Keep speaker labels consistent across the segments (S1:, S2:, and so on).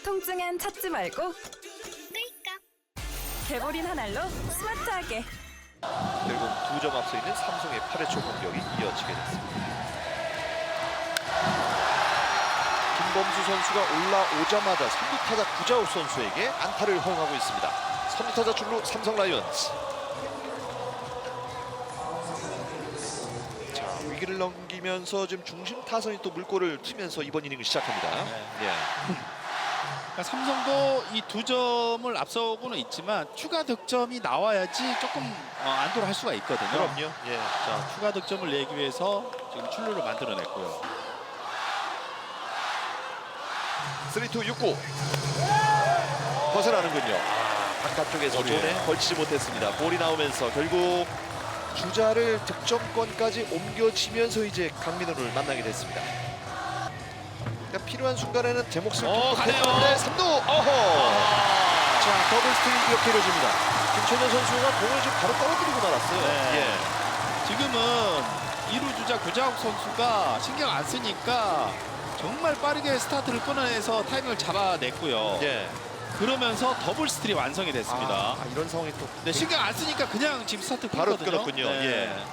S1: 통증엔 찾지 말고 개보린 한 알로 스마트하게.
S2: 결국 2점 앞서 있는 삼성의 8회 초 공격이 이어지게 됐습니다. 김범수 선수가 올라오자마자 3루 타자 구자욱 선수에게 안타를 허용하고 있습니다. 3루 타자 출루 삼성 라이온즈. 자, 위기를 넘기면서 지금 중심 타선이 또 물꼬를 트면서 이번 이닝을 시작합니다. 예.
S3: 그러니까 삼성도 이 2점을 앞서고는 있지만 추가 득점이 나와야지 조금 안도를 할 수가 있거든요.
S2: 그럼요. 예.
S3: 자, 추가 득점을 내기 위해서 지금 출루를 만들어냈고요.
S2: 3-2 6구 벗어나는군요. 바깥쪽에서 존에 걸치지 못했습니다. 볼이 나오면서 결국 주자를 득점권까지 옮겨지면서 이제 강민호를 만나게 됐습니다. 그러니까 필요한 순간에는 제 몫을 했는데 3루 자, 더블 스틸 이렇게 이루어집니다. 김천현 선수가 공을 지금 바로 떨어뜨리고 말았어요.
S3: 네. 지금은 2루 주자 구자욱 선수가 신경 안 쓰니까 정말 빠르게 스타트를 끊어내서 타이밍을 잡아냈고요.
S2: 예.
S3: 그러면서 더블 스틸이 완성이 됐습니다.
S2: 이런 상황이 또
S3: 네, 신경 안 쓰니까 그냥 지금 스타트
S2: 바로
S3: 끊거든요.
S2: 끊었군요.
S3: 네.
S2: 예.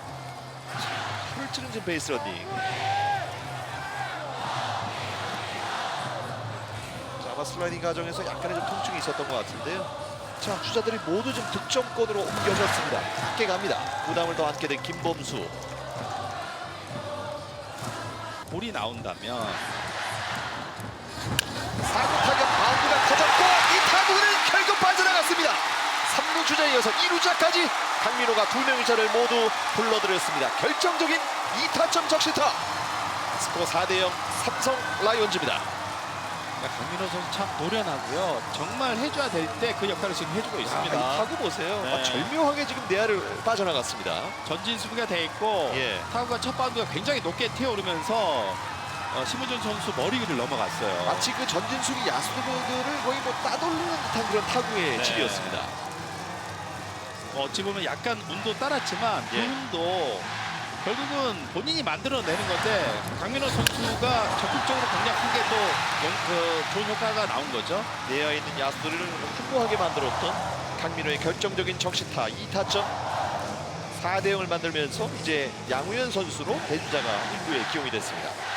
S2: 풀 찌는 지금 베이스 러닝. 자, 아마 슬라이딩 과정에서 약간의 좀 통증이 있었던 것 같은데요. 자, 주자들이 모두 좀 득점권으로 옮겨졌습니다. 함께 갑니다. 부담을 더 안게 된 김범수.
S3: 볼이 나온다면
S2: 사구 타격 바운드가 터졌고 이 타구는 결국 빠져나갔습니다. 3루 주자에 이어서 2루자까지 강민호가 2명의 자를 모두 불러들였습니다. 결정적인 2타점 적시타. 스코어 4대0 삼성 라이온즈입니다.
S3: 강민호 선수 참 노련하고요. 정말 해줘야 될 때 그 역할을 지금 해주고 있습니다.
S2: 이 타구 보세요.
S3: 네.
S2: 절묘하게 지금 내야를 빠져나갔습니다.
S3: 전진 수비가 돼 있고
S2: 예.
S3: 타구가 첫 바운드가 굉장히 높게 튀어오르면서 심우준 선수 머리 위를 넘어갔어요.
S2: 마치 그 전진 수비 야수들을 거의 뭐 따돌리는 듯한 그런 타구의
S3: 네.
S2: 질이었습니다.
S3: 어찌 보면 약간 운도 따랐지만 그
S2: 예.
S3: 운도 결국은 본인이 만들어내는 건데 강민호 선수가 적극적으로 공략한 게 또 좋은 효과가 나온 거죠.
S2: 내야 있는 야수들을 확고하게 만들었던 강민호의 결정적인 적시타 2타점 4대0을 만들면서 이제 양우현 선수로 대주자가 1루에 기용이 됐습니다.